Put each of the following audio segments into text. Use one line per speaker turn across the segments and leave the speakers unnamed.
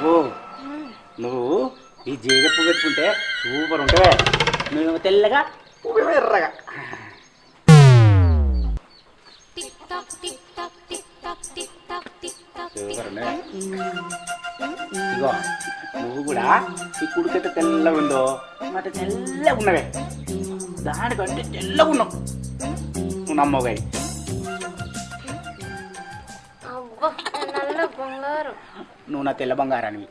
అబ్బో నువ్వు ఈ జీగ పువ్వు పెట్టుకుంటే సూపర్ ఉంటావే. నువ్వేమో తెల్లగా పువ్వు ఎర్రగా. సూపర్ ఉండవే. ఇగో నువ్వు కూడా ఈ కుడికైతే తెల్లగా ఉందో మాట తెల్లగా ఉన్నవే. దానికంటే తెల్లగా ఉన్నావు నువ్వు నమ్మవుగా. నువ్వు నా తెల్ల బంగారానివి.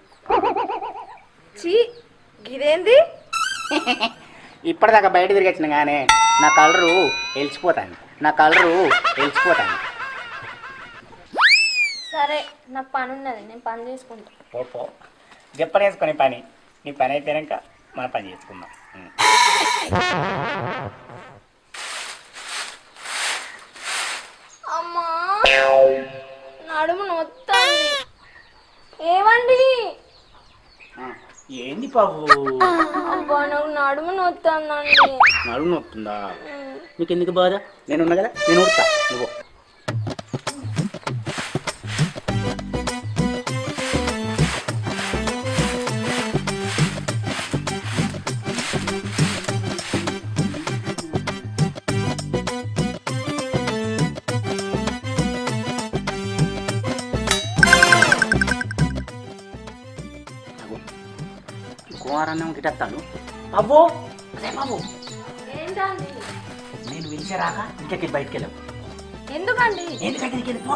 ఇదేంది?
ఇప్పటిదాకా బయట తిరిగొచ్చిన కానీ నా కలరు వెలిసిపోతాను.
సరే నాకు పని ఉన్నది, నేను పని చేసుకుంటా.
పో చెప్పని వేసుకొని పని. నీ పని అయిపోయాక మన పని చేసుకుందాం.
అమ్మా నడుము నొత్తాంది. ఏమండి?
ఏంది బాబు?
అబ్బా నాకు నడుము నొత్తాందండి.
నడుము నొత్తుందా? నీకు ఎందుకు బాధ? నేను ఉన్నా కదా, నేను ఉడతా. నువ్వు కుమారన్నం గిటత్తాను. అబ్బో అదే బాబు,
ఏంటండి?
నేను పిలిచారాక ఇంకెక్కి బయటికి వెళ్ళావు.
ఎందుకండి?
ఎందుకంటే నీకు వెళ్ళిపో.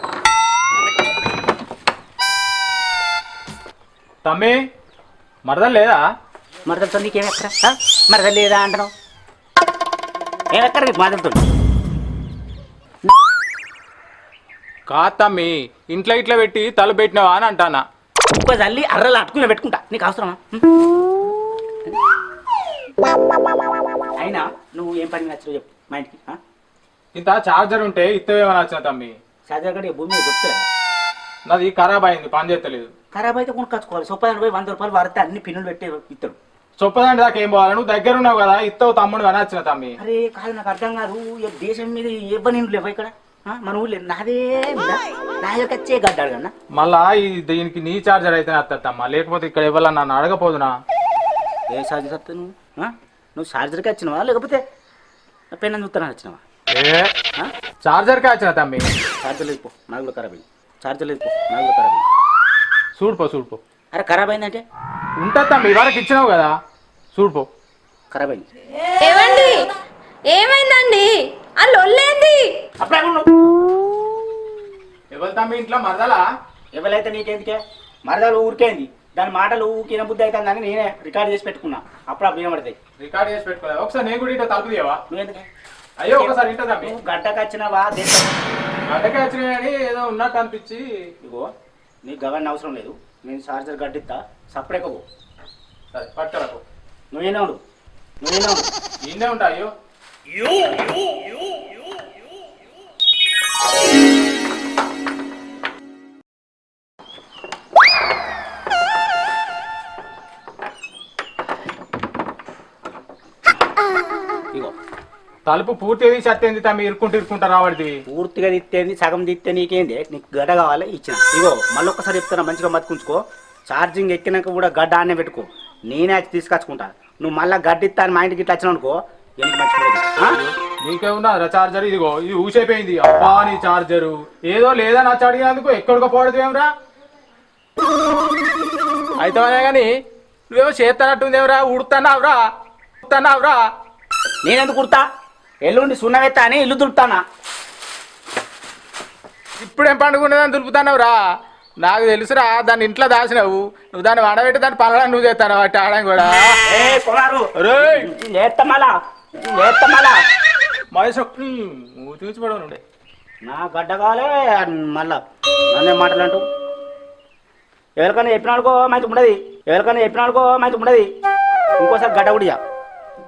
తమ్మి మరదలు లేదా?
మరదలతో నీకేమెక్కడ? మరదలు లేదా అంటున్నావు? ఏమెక్కడ నీకు మరదలతో?
కాదు తమ్మి, ఇంట్లో ఇట్లా పెట్టి తల పెట్టినావా అని అంటానా.
ఇంకో తల్లి అర్రలు అట్టుకుని పెట్టుకుంటా. నీకు అవసరమా? అయినా నువ్వు ఏం పని నచ్చో చెప్పు మా ఇంటికి.
ఇంత చార్జర్ ఉంటే ఇత్తవేమని వచ్చిన తమ్మి.
చార్జర్ గడి భూమి మీద దొరుకుతుంది.
నాది ఖరాబ్ అయింది, పని చేస్తలేదు.
ఖరాబ్ అయితే కొనుక్కొచ్చుకోవాలి. సొప్పదాన్ని పోయి 100 రూపాయలు వాడితే అన్ని పిన్నులు పెట్టి ఇస్తాడు.
చొప్పదండి దాకా ఏం పోవాలి? నువ్వు దగ్గర ఉన్నావు కదా, ఇత్తవు తమ్ముడు అని వచ్చిన తమ్మి.
అరే కాదు, నాకు అర్థం కాదు. దేశం మీద ఇవ్వని లేవు ఇక్కడ. మన ఊళ్ళో నాదే నా యొక్క వచ్చే గడ్డాడు కన్నా.
మళ్ళా దీనికి నీ చార్జర్ అయితే వస్తుందమ్మా, లేకపోతే ఇక్కడ ఇవ్వాలని నన్ను అడగపోదునా?
ఏ చార్జర్ వస్తా నువ్వు చార్జర్కి వచ్చినావా లేకపోతే పెన్ చూస్తానని వచ్చినావా?
చార్జర్కే వచ్చిన తమ్మి.
చార్జర్ లేదు పో, నాగులో ఖరాబ్ అయింది. చార్జర్ లేదు పో, నాగులో ఖరాబ్ అయింది.
చూడుపో.
అరే ఖరాబ్ అయిందంటే
ఉంటుంది తమ్మి, ఇవాళకి ఇచ్చినావు కదా, చూడుపో.
ఖరాబ్ అయింది.
ఏమండి? ఏమైందండి? ఆ లొల్లేంది?
అప్పుడే
ఎవరు తమ్మి ఇంట్లో మరదలా?
ఎవరైతే నీకెందుకే? మరదలు ఊరికేంది, దాని మాటలు ఊకిన బుద్ధి అవుతుందని నేనే రికార్డ్ చేసి పెట్టుకున్నా. అప్పుడు వినబడతాయి.
రికార్డ్ చేసి పెట్టుకోవాలి. ఒకసారి నేను కూడా ఇంట్లో తలుపు తీయవా?
నువ్వెందుకే?
అయ్యో ఒకసారి ఇంట తమ్మి.
నువ్వు గడ్డకు వచ్చినావా?
గడ్డకే వచ్చినా కానీ ఏదో ఉన్నట్టు అనిపించి.
ఇగో నీకు గవర్న అవసరం లేదు, నేను చార్జర్ గడ్డిస్తా. సపరేట్గా పో.
సరే పట్టుకరకు.
నువ్వేనా ఉండు.
ఈయనే ఉంటా. అయ్యో
ఇగో
తలుపు పూర్తిగా తీసి అత్తేంది తమ్మి, ఇరుక్కుంటా రావడిది.
పూర్తిగా తిత్తేంది, సగం తిత్తే నీకేంది? నీకు గడ్డ కావాలి, ఇచ్చిన. ఇగో మళ్ళీ ఒక్కసారి చెప్తున్నా, మంచిగా మతుకుంచుకో. ఛార్జింగ్ ఎక్కినాక కూడా గడ్డ ఆనే పెట్టుకో. నేనే తీసుకొచ్చుకుంటా. నువ్వు మళ్ళీ గడ్డిస్తా అని మా ఇంటికి ఇట్లా వచ్చినావు అనుకో, ఎందుకు మంచిగా.
నీకేమున్నా చార్జర్? ఇదిగో ఇది ఊసైపోయింది. అబ్బా నీ చార్జరు ఏదో లేదా నచ్చ అడిగినందుకు ఎక్కడికో పోవడదు ఏమరా? అయితే కానీ నువ్వేమో చేస్తానట్టుందేమరా? ఉడుతున్నావురా?
నేనెందుకు కుడతా? ఎల్లుండి సున్నవెత్తా అని ఇల్లు దులుపుతానా?
ఇప్పుడేం పండుగ దులుపుతున్నావురా? నాకు తెలుసురా, దాన్ని ఇంట్లో దాచినావు. నువ్వు దాన్ని వడబెట్టి దాన్ని పనులను నువ్వు చేస్తాను వాటి ఆడడం కూడా. మహేష్ చూసిపడవు నుండే
నా గడ్డ కావాలే మళ్ళా నన్నే మాటలు అంటూ. ఎవరికైనా చెప్పినాడుకో మంచి ఉండదు, ఇంకోసారి గడ్డ కూడా